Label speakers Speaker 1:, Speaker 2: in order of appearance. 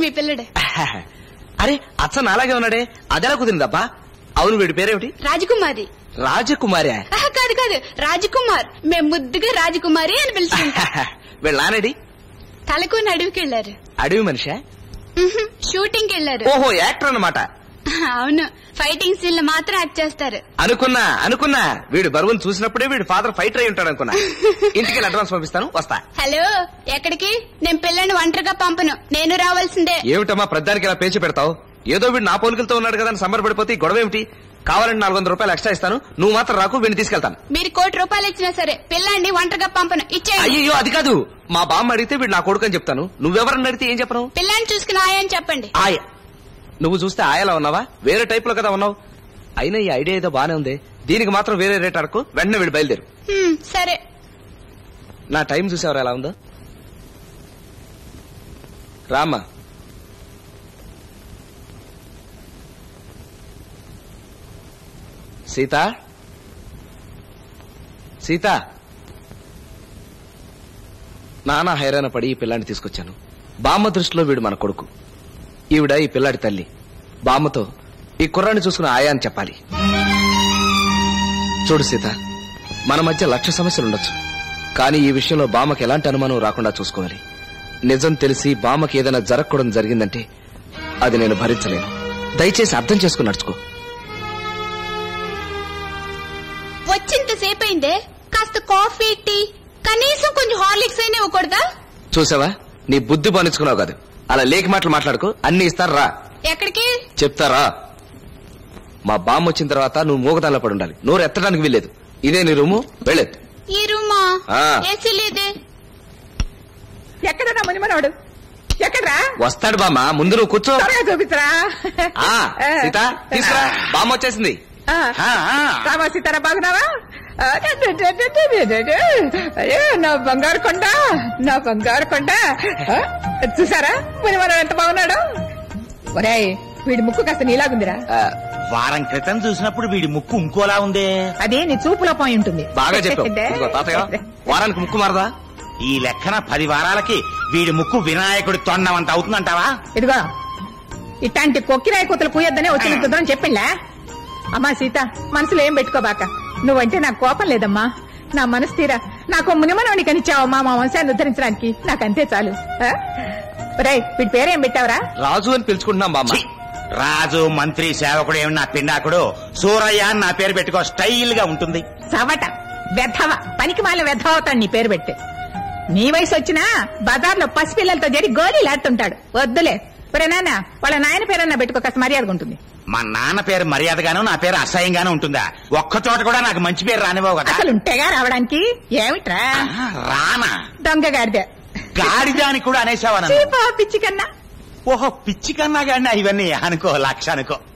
Speaker 1: మీ పిల్లడే.
Speaker 2: అరే అచ్చ నాలాగే ఉన్నాడే, అదెలా కుదిరిందబ్బా? అవును, వీడి పేరేమిటి?
Speaker 1: రాజకుమారి.
Speaker 2: రాజకుమారి?
Speaker 1: కాదు కాదు, రాజకుమార్. మేము ముద్దుగా రాజకుమారి అని పిలుచుకుంటాం.
Speaker 2: వీళ్ళ నానడి
Speaker 1: తలకొని అడవికి వెళ్లారు.
Speaker 2: అడవి మనిషా?
Speaker 1: షూటింగ్ కి వెళ్లారు.
Speaker 2: ఓహో, యాక్టర్ అన్నమాట.
Speaker 1: అవును, ఫైటింగ్ సీన్ లో మాత్రం యాక్ట్ చేస్తారు.
Speaker 2: అనుకున్నా వీడు బరువును చూసినప్పుడే వీడు ఫాదర్ ఫైటర్ అయి ఉంటాడు అనుకున్నా. ఇంటికి అడ్వాన్స్ పంపిస్తాను, వస్తా.
Speaker 1: హలో, ఎక్కడికి? నేను పిల్లని ఒంటరిగా పంపను, నేను రావాల్సిందే.
Speaker 2: ఏమిటమ్మా ప్రధానికి ఇలా పేచి పెడతావు? ఏదో వీడు నా పోలికలతో ఉన్నాడు కదా అని సంబరపడిపోతే గొడవ ఏమిటి? కావాలంటే 400 రూపాయలు ఎక్స్ట్రా ఇస్తాను, నువ్వు మాత్రం రాకు, వీడిని తీసుకెళ్తాను.
Speaker 1: మీరు 1 కోటి రూపాయలు ఇచ్చినా సరే పిల్లాన్ని ఒంటరిగా పంపను, ఇచ్చేయండి.
Speaker 2: అయ్యో అది కాదు, మా బామ్మ అడిగితే వీడు నా కొడుకు అని చెప్తాను, నువ్వెవరని అడిగితే ఏం చెప్పను?
Speaker 1: పిల్లాన్ని చూసుకుని ఆయని చెప్పండి.
Speaker 2: ఆయ? నువ్వు చూస్తే ఆయలా ఉన్నావా? వేరే టైప్ లో కదా ఉన్నావు. అయినా ఈ ఐడియా ఏదో బానే ఉంది, దీనికి మాత్రం వేరే రేట్ అడకు, వెంటనే వీడు బయలుదేరు.
Speaker 1: సరే.
Speaker 2: నా టైం చూసేవారు ఎలా ఉందో? రామ్మా. సీత, సీత. నానా హైరాణ పడి ఈ పిల్లాన్ని తీసుకొచ్చాను. బామ్మ దృష్టిలో వీడు మన కొడుకు, ఈవిడ ఈ పిల్లాడి తల్లి. బామ్మతో ఈ కుర్రాన్ని చూసుకుని ఆయా అని చెప్పాలి. చూడు సీత, మన మధ్య 1,00,000 సమస్యలుండొచ్చు, కానీ ఈ విషయంలో బామ్మకి ఎలాంటి అనుమానం రాకుండా చూసుకోవాలి. నిజం తెలిసి బామ్మకి ఏదైనా జరగకూడదు జరిగిందంటే అది నేను భరించలేను. దయచేసి అర్థం చేసుకుని నడుచుకో.
Speaker 1: వచ్చింతసేపు అయిందే, కాస్త కాఫీ, టీ, కనీసం కొంచెం హార్లిక్స్ అయినా ఇవ్వకూడదా?
Speaker 2: చూసావా, నీ బుద్ధి బానించుకున్నావు కాదు. అలా లేకి మాటలు మాట్లాడుకో, అన్ని ఇస్తారా?
Speaker 1: ఎక్కడికి
Speaker 2: చెప్తారా? మా బామ్మ వచ్చిన తర్వాత నువ్వు మూగదానిలో పడి ఉండాలి, నోరు ఎత్తడానికి వీల్లేదు. ఇదే నీ రూము, వెళ్ళేది.
Speaker 1: ఈ రూమా? ఏసీ లేదే.
Speaker 3: ఎక్కడన్నా మునిమనోడు? ఎక్కడరా?
Speaker 2: వస్తాడు బామ్మ, ముందు నువ్వు కూర్చో.
Speaker 3: చూపించరా?
Speaker 2: సీత తీసుకురా, బామ్మ వచ్చేసింది.
Speaker 3: రామా సీతారా, బాగున్నావా? అయ్యో నా బంగారు కొండ, నా బంగారు కొండ. చూసారా మునిమనోడు ఎంత బాగున్నాడు? ఒరేయ్, వీడి ముక్కు కాస్త నీలాగుందిరా.
Speaker 4: వారం క్రితం చూసినప్పుడు వీడి ముక్కు ఇంకోలా ఉందే.
Speaker 3: అదే నీ చూపులో పోయి ఉంటుంది.
Speaker 2: బాగా చెప్పావు తాతయ్య, వారానికి ముక్కు మారదా?
Speaker 4: ఈ లెక్కన 10 వారాలకి వీడి ముక్కు వినాయకుడి తొండమంత అవుతుందంటావా?
Speaker 3: ఇదిగో, ఇట్లాంటి కొక్కిరాయి కూతలు పూయొద్దనే వచ్చిన కుదరని చెప్పిండ్లా. అమ్మా సీత, మనసులో ఏం పెట్టుకోబాక. నువ్వంటే నాకు కోపం లేదమ్మా, నా మనసు తీరా నాకు మునిమనోని కనిచ్చావమ్మా మా వంశాన్ని ఉద్ధరించడానికి. నాకంతే చాలు. రేయ్, వీడి పేరేం పెట్టావురా?
Speaker 2: రాజు అని పిలుచుకుంటున్నాం బామ్మ.
Speaker 4: రాజు, మంత్రి, సేవకుడు ఏమి నా పిండాకుడు, సూరయ్య అని నా పేరు పెట్టుకో, స్టైల్ గా ఉంటుంది.
Speaker 3: సవట వెధవ, పనికి మాల వెధవ అవుతాడు నీ పేరు పెట్టి. నీ వయసు వచ్చినా బజార్లో పసిపిల్లలతో జరి గోళీలాడుతుంటాడు. వద్దులే. ఒరే నాన్న, వాళ్ళ నాయన పేరన్నా పెట్టుకో, కాస్త మర్యాదగా ఉంటుంది.
Speaker 4: మా నాన్న పేరు మర్యాదగాను, నా పేరు అసహ్యంగాను ఉంటుందా? ఒక్క చోట కూడా నాకు మంచి పేరు రానివ్వవు కదా.
Speaker 3: అసలు ఉంటేగా రావడానికి. ఏమిట్రా
Speaker 4: రానా?
Speaker 3: దొంగ గాడిద.
Speaker 4: గాడిద అని కూడా అనేసావా?
Speaker 3: పిచ్చి కన్నా.
Speaker 4: ఓహో, పిచ్చి కన్నా గాడినా? ఇవన్నీ అనుకో, 1,00,000 అనుకో.